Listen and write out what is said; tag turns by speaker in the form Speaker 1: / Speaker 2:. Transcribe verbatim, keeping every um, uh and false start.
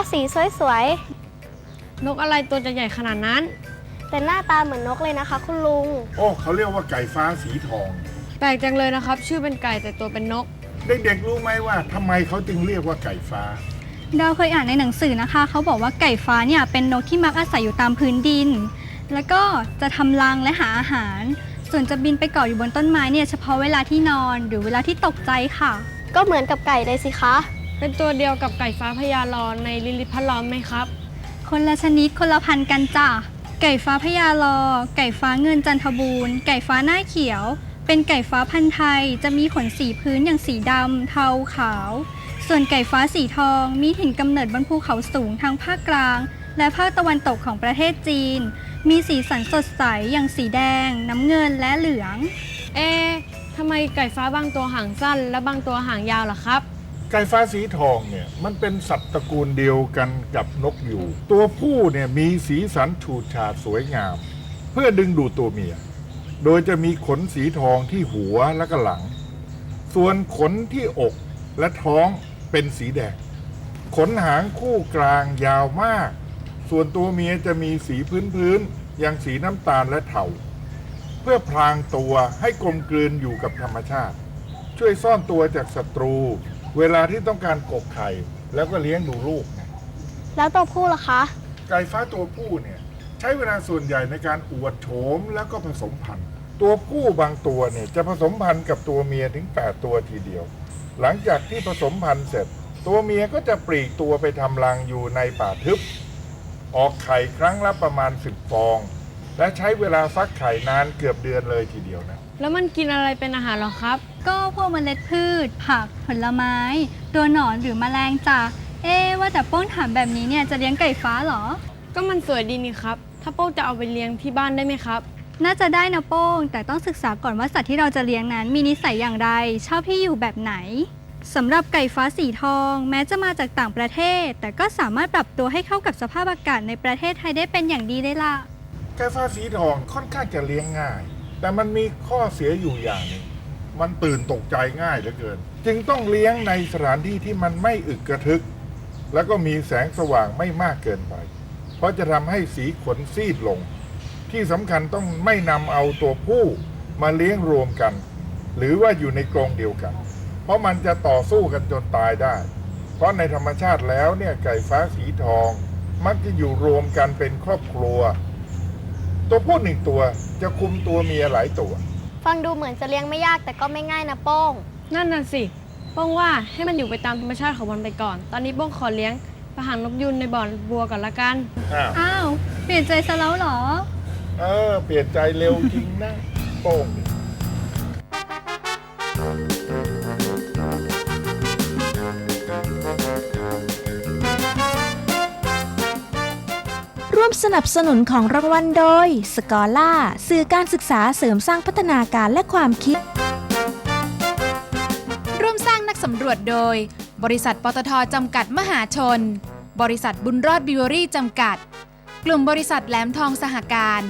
Speaker 1: สีสวย
Speaker 2: นกอะไรตัวจะใหญ่ขนาดนั้น
Speaker 1: ๆแต่หน้าตาเหมือนนกเลยนะคะคุณลุง
Speaker 3: โอ้เขาเรียกว่าไก่ฟ้าสีทอง
Speaker 2: แปลกจังเลยนะครับชื่อเป็นไก่แต่ตัวเป็นนก
Speaker 3: เด็กๆรู้ไหมว่าทำไมเขาจึงเรียกว่าไก่ฟ้า
Speaker 4: ดาวเคยอ่านในหนังสือนะคะเขาบอกว่าไก่ฟ้าเนี่ยเป็นนกที่มักอาศัยอยู่ตามพื้นดินแล้วก็จะทำรังและหาอาหารส่วนจะบินไปเกาะอยู่บนต้นไม้เนี่ยเฉพาะเวลาที่นอนหรือเวลาที่ตกใจค่ะ
Speaker 1: ก็เหมือนกับไก่เลยสิคะ
Speaker 2: เป็นตัวเดียวกับไก่ฟ้าพญาลอในลิลิตพระล้อมไหมครับ
Speaker 4: คนละชนิดคนละพันธุ์กันจ้ะไก่ฟ้าพญาลอไก่ฟ้าเงินจันทบูรณ์ไก่ฟ้าหน้าเขียวเป็นไก่ฟ้าพันธุ์ไทยจะมีขนสีพื้นอย่างสีดำเทาขาวส่วนไก่ฟ้าสีทองมีถิ่นกำเนิดบนภูเขาสูงทางภาคกลางและภาคตะวันตกของประเทศจีนมีสีสันสดใสอย่างสีแดงน้ำเงินและเหลือง
Speaker 2: เอ๊ะทำไมไก่ฟ้าบางตัวหางสั้นและบางตัวหางยาวล่ะครับ
Speaker 3: ไก่ฟ้าสีทองเนี่ยมันเป็นสัตว์ตระกูลเดียวกันกับนกยูงตัวผู้เนี่ยมีสีสันฉูดฉาดสวยงามเพื่อดึงดูดตัวเมียโดยจะมีขนสีทองที่หัวและก็หลังส่วนขนที่อกและท้องเป็นสีแดงขนหางคู่กลางยาวมากส่วนตัวเมียจะมีสีพื้นๆอย่างสีน้ำตาลและเทาเพื่อพรางตัวให้กลมกลืนอยู่กับธรรมชาติช่วยซ่อนตัวจากศัตรูเวลาที่ต้องการกกไข่แล้วก็เลี้ยงดูลูก
Speaker 1: แล้วตัวผู้ล่ะคะ
Speaker 3: ไก่ฟ้าตัวผู้เนี่ยใช้เวลาส่วนใหญ่ในการอวดโฉมแล้วก็ผสมพันธุ์ตัวผู้บางตัวเนี่ยจะผสมพันธุ์กับตัวเมียถึงแปดตัวทีเดียวหลังจากที่ผสมพันธุ์เสร็จตัวเมียก็จะปลีกตัวไปทำรังอยู่ในป่าทึบออกไข่ครั้งละประมาณสิบฟองและใช้เวลาฟักไข่นานเกือบเดือนเลยทีเดียวนะ
Speaker 2: แล้วมันกินอะไรเป็นอาหารหรอครับ
Speaker 4: ก็พวกเมล็ดพืชผักผลไม้ตัวหนอนหรือแมลงจ้ะเอ๊ว่าแต่โป้งถามแบบนี้เนี่ยจะเลี้ยงไก่ฟ้าเหรอ
Speaker 2: ก็มันสวยดีนี่ครับถ้าโป้งจะเอาไปเลี้ยงที่บ้านได้ไหมครับ
Speaker 4: น่าจะได้นะโป้งแต่ต้องศึกษาก่อนว่าสัตว์ที่เราจะเลี้ยงนั้นมีนิสัยอย่างไรชอบที่อยู่แบบไหนสำหรับไก่ฟ้าสีทองแม้จะมาจากต่างประเทศแต่ก็สามารถปรับตัวให้เข้ากับสภาพอากาศในประเทศไทยได้เป็นอย่างดีเลยล่ะ
Speaker 3: ไก่ฟ้าสีทองค่อนข้างจะเลี้ยงง่ายแต่มันมีข้อเสียอยู่อย่างหนึ่งมันตื่นตกใจง่ายเหลือเกินจึงต้องเลี้ยงในสถานที่ที่มันไม่อึกกระทึกแล้วก็มีแสงสว่างไม่มากเกินไปเพราะจะทำให้สีขนซีดลงที่สำคัญต้องไม่นำเอาตัวผู้มาเลี้ยงรวมกันหรือว่าอยู่ในกรงเดียวกันเพราะมันจะต่อสู้กันจนตายได้เพราะในธรรมชาติแล้วเนี่ยไก่ฟ้าสีทองมักจะอยู่รวมกันเป็นครอบครัวตัวผู้หนึ่งตัวจะคุมตัวเมียหลายตัว
Speaker 1: ฟังดูเหมือนจะเลี้ยงไม่ยากแต่ก็ไม่ง่ายนะโป้ง
Speaker 2: นั่นน่ะสิโป้งว่าให้มันอยู่ไปตามธรรมชาติของมันไปก่อนตอนนี้โป้งขอเลี้ยงปลาหางนกยูงในบ่อบัวก่อนละกัน
Speaker 4: อ้าวเปลี่ยนใจซะแล้วเหรอ
Speaker 3: เออเปลี่ยนใจเร็วจริงนะโป้ง
Speaker 5: ร่วมสนับสนุนของรางวัลโดยสกอล่าสื่อการศึกษาเสริมสร้างพัฒนาการและความคิดร่วมสร้างนักสำรวจโดยบริษัทปตท.จำกัดมหาชนบริษัทบุญรอดบิวเวอรี่จำกัดกลุ่มบริษัทแหลมทองสหการ